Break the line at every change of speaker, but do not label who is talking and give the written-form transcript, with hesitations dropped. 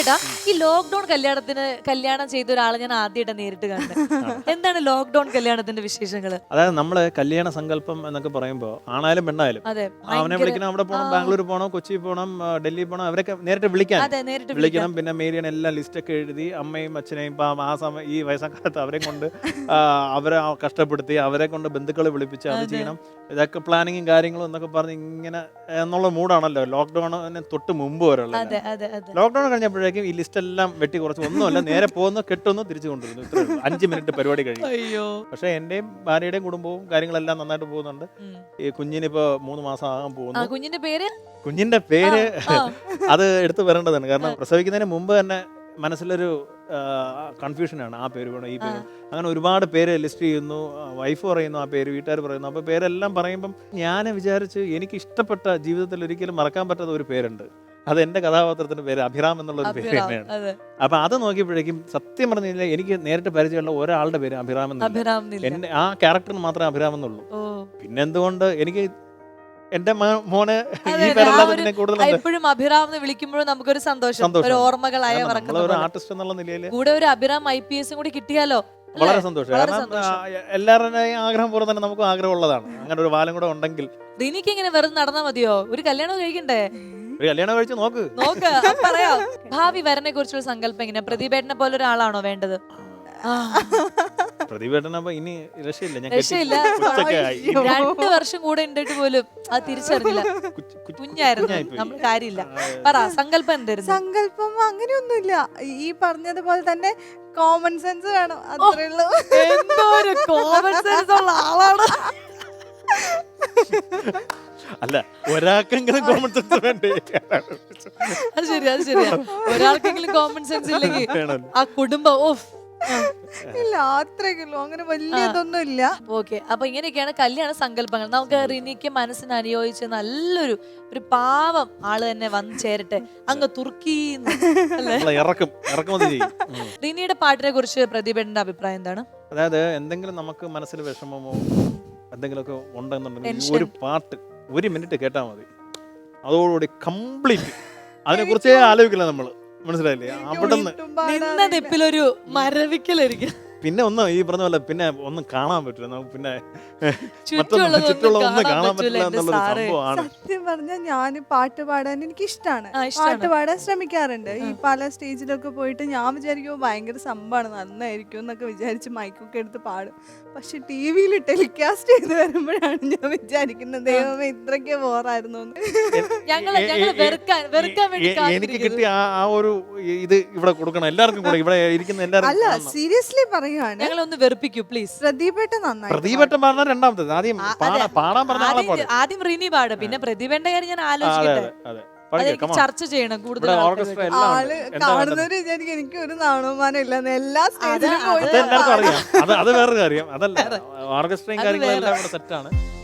ചേട്ടാ, ഈ ലോക്ക്ഡൌൺ കല്യാണം ചെയ്ത ഒരാളെ ഞാൻ ആദ്യമായിട്ട് നേരിട്ട് കണ്ടത്. എന്താണ് ലോക്ക്ഡൌൺ കല്യാണത്തിന്റെ വിശേഷങ്ങള്?
അതായത് നമ്മള് കല്യാണ സങ്കല്പം എന്നൊക്കെ പറയുമ്പോ ആണായാലും പെണ്ണായാലും
അതെ,
അവനെ വിളിക്കണം, അവിടെ പോകണം, ബാംഗ്ലൂർ പോകണം, കൊച്ചി പോകണം, ഡൽഹി പോകണം, അവരൊക്കെ നേരിട്ട് വിളിക്കാൻ
അതെ, നേരിട്ട്
വിളിക്കണം. പിന്നെ മേരിയൻ എല്ലാം ലിസ്റ്റൊക്കെ എഴുതി അമ്മയും അച്ഛനെയും ഇപ്പം ആ സമയം ഈ വയസ്സക്കാലത്ത് അവരെ കൊണ്ട് അവരെ കഷ്ടപ്പെടുത്തി അവരെ കൊണ്ട് ബന്ധുക്കളെ വിളിപ്പിച്ച് അത് ചെയ്യണം. ഇതൊക്കെ പ്ലാനിങ്ങും കാര്യങ്ങളും എന്നൊക്കെ പറഞ്ഞ് ഇങ്ങനെ എന്നുള്ള മൂഡാണല്ലോ ലോക്ക്ഡൌണിന് തൊട്ട് മുമ്പ് വരെ ഉള്ളത്. ലോക്ക്ഡൌൺ കഴിഞ്ഞപ്പോഴേക്കും ഈ ലിസ്റ്റ് എല്ലാം വെട്ടി കുറച്ച് ഒന്നുമല്ല, നേരെ പോകുന്നു, കെട്ടുന്നു, തിരിച്ചു കൊണ്ടുവരുന്നു. ഇത്രേ ഉള്ളൂ. 5 മിനിറ്റ് പരിപാടി കഴിയും. പക്ഷെ എന്റെയും ഭാര്യയുടെയും കുടുംബവും കാര്യങ്ങളെല്ലാം നന്നായിട്ട് പോകുന്നുണ്ട്. ഈ കുഞ്ഞിനിപ്പോ 3 മാസം ആകാൻ പോകുന്നു. കുഞ്ഞിന്റെ പേര് അത് എടുത്തു വരേണ്ടതാണ്. കാരണം പ്രസവിക്കുന്നതിന് മുമ്പ് തന്നെ മനസ്സിലൊരു കൺഫ്യൂഷനാണ്. ആ പേര് വേണം, ഈ പേര് വേണം. അങ്ങനെ ഒരുപാട് പേര് ലിസ്റ്റ് ചെയ്യുന്നു. വൈഫ് പറയുന്നു ആ പേര്, വീട്ടുകാർ പറയുന്നു. അപ്പോൾ പേരെല്ലാം പറയുമ്പം ഞാൻ വിചാരിച്ച് എനിക്ക് ഇഷ്ടപ്പെട്ട ജീവിതത്തിൽ ഒരിക്കലും മറക്കാൻ പറ്റാത്ത ഒരു പേരുണ്ട്. അത് എൻ്റെ കഥാപാത്രത്തിന്റെ പേര് അഭിറാം എന്നുള്ളൊരു പേര് തന്നെയാണ്. അപ്പൊ അത് നോക്കിയപ്പോഴേക്കും സത്യം പറഞ്ഞു കഴിഞ്ഞാൽ എനിക്ക് നേരിട്ട് പരിചയമുള്ള ഒരാളുടെ പേര് അഭിറാം എന്നില്ല. എന്നെ ആ ക്യാരക്ടറിന് മാത്രമേ അഭിറാം എന്നുള്ളൂ. പിന്നെ എന്തുകൊണ്ട് എനിക്ക് എന്റെ മോനെ ഈ പേരല്ലാതെ കൂടുതൽ
എപ്പോഴും അഭിറാം എന്ന് വിളിക്കുമ്പോഴും നമുക്കൊരു സന്തോഷം, ഒരു ഓർമ്മകളായ
ഒരു ആർട്ടിസ്റ്റ് എന്നുള്ള നിലയിൽ
കൂടെ ഒരു അഭിറാം IPS കൂടി കിട്ടിയാലോ
വളരെ സന്തോഷം. കാരണം എല്ലാവരുടെയും ആഗ്രഹം പോലെ തന്നെ നമുക്കും ആഗ്രഹമുള്ളതാണ്. അങ്ങനെ ഒരു വാലം കൂടെ ഉണ്ടെങ്കിൽ.
റിനിക്ക് ഇങ്ങനെ വെറുതെ നടന്നാ മതിയോ? ഒരു കല്യാണം കഴിക്കണ്ടേ?
ഒരു കല്യാണം കഴിച്ച് നോക്ക്.
പറയാം. ഭാവി വരനെ കുറിച്ചുള്ള സങ്കല്പം എങ്ങനെയാ? പ്രതിഭേട്ടനെ പോലെ ഒരാളാണോ വേണ്ടത്?
പ്രതിഭേട്ടനപ്പോ ഇനി രക്ഷയില്ല.
2 വർഷം കൂടെ ഉണ്ടിട്ട് പോലും അത് തിരിച്ചറിഞ്ഞില്ല. കുഞ്ഞായിരുന്നു, നമ്മൾ കാര്യമില്ല. പറ, സങ്കല്പം എന്തായിരുന്നു?
സങ്കല്പം അങ്ങനെയൊന്നുമില്ല. ഈ പറഞ്ഞതുപോലെ തന്നെ കോമൺ സെൻസ് വേണം, അത്രേ ഉള്ളൂ.
എന്തോ ഒരു കോമൺ സെൻസ് ഉള്ള ആളാണ്.
അല്ല, ഒരാൾക്കെങ്കിലും കോമൺ സെൻസ് വേണ്ടേ?
അത് ശരിയാ. ഒരാൾക്കെങ്കിലും കോമൺ സെൻസ് ഇല്ലെങ്കിൽ ആ കുടുംബം
ഇല്ല, അത്രയ്ക്കുള്ളൂ. അങ്ങനെ വലിയതൊന്നും ഇല്ല.
ഓക്കെ, അപ്പൊ ഇങ്ങനെയൊക്കെയാണ് കല്യാണ സങ്കല്പങ്ങൾ. നമുക്ക് റിനിക്ക് മനസ്സിന് അനുയോജിച്ച് നല്ലൊരു പാവം ആള് തന്നെ വന്നു ചേരട്ടെ. അങ്ങ് തുർക്കിന്ന് റിനിയുടെ പാട്ടിനെ കുറിച്ച് പ്രതിഭയുടെ അഭിപ്രായം എന്താണ്?
അതായത് എന്തെങ്കിലും നമുക്ക് മനസ്സിൽ വിഷമമോ എന്തെങ്കിലുമൊക്കെ ഉണ്ടെന്നുണ്ടെങ്കിൽ ഒരു പാട്ട് 1 മിനിറ്റ് കേട്ടാൽ മതി, അതോടുകൂടി കംപ്ലീറ്റ് അതിനെ കുറിച്ചേ ആലോചിക്കില്ല നമ്മള്. മനസ്സിലായില്ലേ? അവിടെ
നിന്നതെപ്പിലൊരു മരവിക്കലായിരിക്കും.
പിന്നെ ഒന്നും ഈ പറഞ്ഞ പോലെ പിന്നെ ഒന്നും കാണാൻ പറ്റില്ല നമുക്ക്. പിന്നെ ചുറ്റുള്ളതൊന്നും കാണാൻ പറ്റില്ല എന്നുള്ളൊരു സംഭവമാണ്.
സത്യം പറഞ്ഞാൽ ഞാൻ പാട്ട് പാടാൻ എനിക്ക് ഇഷ്ടമാണ്. പാട്ട് പാടാൻ ശ്രമിക്കാറുണ്ട്. ഈ പല സ്റ്റേജിലൊക്കെ പോയിട്ട് ഞാൻ വിചാരിക്കുമോ ഭയങ്കര സംഭവമാണ്, നന്നായിരിക്കും എന്നൊക്കെ വിചാരിച്ച് മൈക്കൊക്കെ എടുത്ത് പാടും. പക്ഷെ TV-യിൽ ടെലികാസ്റ്റ് ചെയ്ത് വരുമ്പോഴാണ് ഞാൻ വിചാരിക്കുന്നത്, ദൈവമേ ഇത്രയ്ക്ക് ബോറായിരുന്നു.
എനിക്ക് കിട്ടിയ ആ ഒരു ഇത് ഇവിടെ കൊടുക്കണം എല്ലാവർക്കും കൂടെ, ഇവിടെ ഇരിക്കുന്ന എല്ലാവർക്കും.
അല്ല, സീരിയസ്ലി പറയുകയാണ്,
ഞങ്ങളൊന്ന് വെറുപ്പിക്കൂ പ്ലീസ്.
പ്രതിഭേട്ട നന്നായി.
പ്രതിഭേട്ടൻ പറഞ്ഞ രണ്ടാമത്തേത്. ആദ്യം പാടാൻ പറഞ്ഞ
ആദ്യം റിനി പാട്, പിന്നെ പ്രതിഭേന്റെ കാര്യം ഞാൻ ആലോചിക്കട്ടെ. ചർച്ച ചെയ്യണം കൂടുതൽ.
ആള് കാണുന്നവര് വിചാരിക്കും എനിക്ക് ഒരു നാണവമാനം ഇല്ലെന്ന്. എല്ലാ സ്റ്റേജിലും
എല്ലാവർക്കും അറിയാം. അത് വേറൊരു കാര്യം. അതല്ല, ഓർക്കസ്ട്രയും കാര്യങ്ങളെല്ലാം ഇവിടെ സെറ്റാണ്.